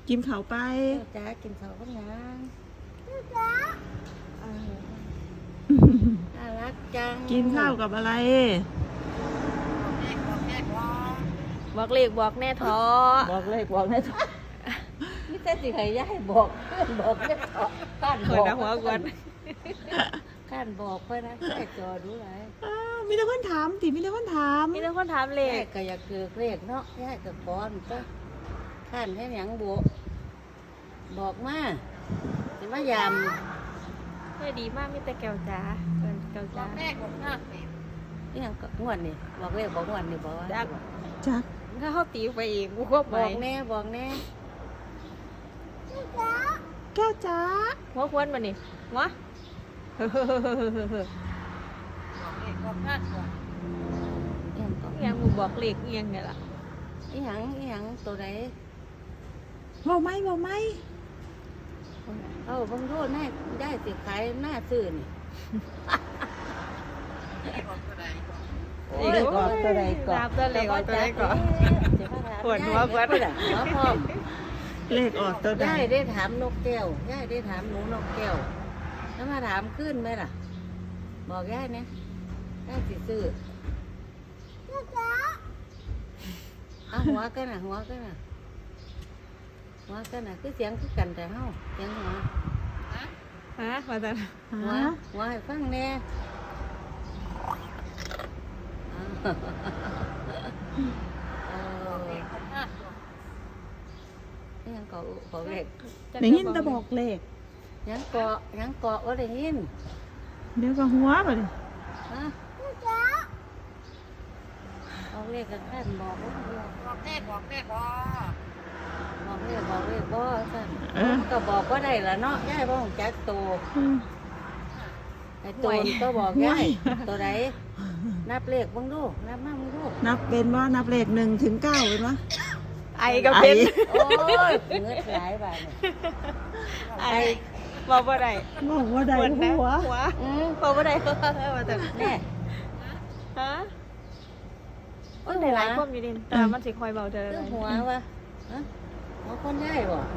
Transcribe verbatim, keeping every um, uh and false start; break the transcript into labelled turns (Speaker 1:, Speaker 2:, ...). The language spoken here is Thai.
Speaker 1: กินเขาไป
Speaker 2: จ้ากินเขาก็ยังน่ารักจัง
Speaker 1: กินข้าวกับอะไร
Speaker 3: บอกเลขบอกแน่ท้อ
Speaker 2: บอกเลยบอกแน่ท้อนี่แต่สิใครย้ายบอกบอกแน่ท้อข้านบอก
Speaker 3: หัวกวน
Speaker 2: ข้านบอกเพื่อนนะแค่จอดูไร
Speaker 1: มีแต่คนถามติมีแต่คนถาม
Speaker 3: มีแต่คนถามเลข
Speaker 2: ก็อยากเกิดเลขเนาะย้ายกับก้อนก็ข้านแค่หยังบวบอกมาจะมายาม
Speaker 3: ไม่ดีมากมีแต่แก้วจ้าเกินแก้วจ้า
Speaker 2: แม่บอกมากนี่ยังงวดนี่บอกเลขบอกงวดนี่บอกว่า
Speaker 3: จัก
Speaker 1: จัก
Speaker 3: ถ้าเขาตีไปเองกูก็ไป
Speaker 2: บอกแน่บอกแน่
Speaker 1: แก้วจ้า
Speaker 3: หัวควนมานี่หัวเฮ้อเฮ้อเฮ้อเฮ้อเฮ้อ
Speaker 2: บอกมากกว่ายังก็
Speaker 3: ยังกูบอกเลขเอียงเนี่ยล่ะ
Speaker 2: อีหยังอีหยังตัวไหน
Speaker 1: บอกไหมบอกไหม
Speaker 2: เออบางโทษน่าได้สิขายหน้าซื่อนี่
Speaker 3: เลขออกตัวใดก่อนเลขออกตัวใดก่อนปวดหัวปวด
Speaker 2: หัวพร้อม
Speaker 1: เลขออกตัวใด
Speaker 2: ย่ายได้ถามนกแก้วย่ายได้ถามหนูนกแก้วแล้วมาถามขึ้นไหมล่ะบอกย่ายเนี่ยย่ายสิซื้อเอาหัวกันน่ะหัวกันน่ะหัวกันน่ะคือเสียงคือกันแต่เฮาเสียงหัว
Speaker 3: ฮะมาจาก
Speaker 2: หัวหัวให้ฟังแน่ยังเกาะเกาะเล็ก
Speaker 1: ได้ยินแต่บอกเลข
Speaker 2: ยังเกาะยังเกาะว่าได้ยิน
Speaker 1: เดี๋ยวก็หัวไปดิ
Speaker 2: ฮะเอาเลขกันแค่บอกบอกเลขบอกเลขบอกเลขบอกเลขบ่สั่นก็บอกว่าได้ละเนาะย่ายบ่ของแจ๊กโตไอ้ตัวก็บอกย่ายตัวไหนนับเลขบ้างดูนับมาบ้างดู
Speaker 1: นับเป็นว่านับเลขหนึ่งถึงเก้าเป็นวะ
Speaker 3: ไอก็เป็น
Speaker 2: โอ้ยเงือกหลายบาท
Speaker 3: ไอบอกว่าได้
Speaker 1: บอกว่าได้หัว
Speaker 3: หัวบอกว่าได้หัวมาจาก
Speaker 2: แน่
Speaker 3: ฮะมันได้หลายความอยู่ดิแต่มันสิคอยเบาเธอ
Speaker 2: หัววะหัวคนใหญ่บ่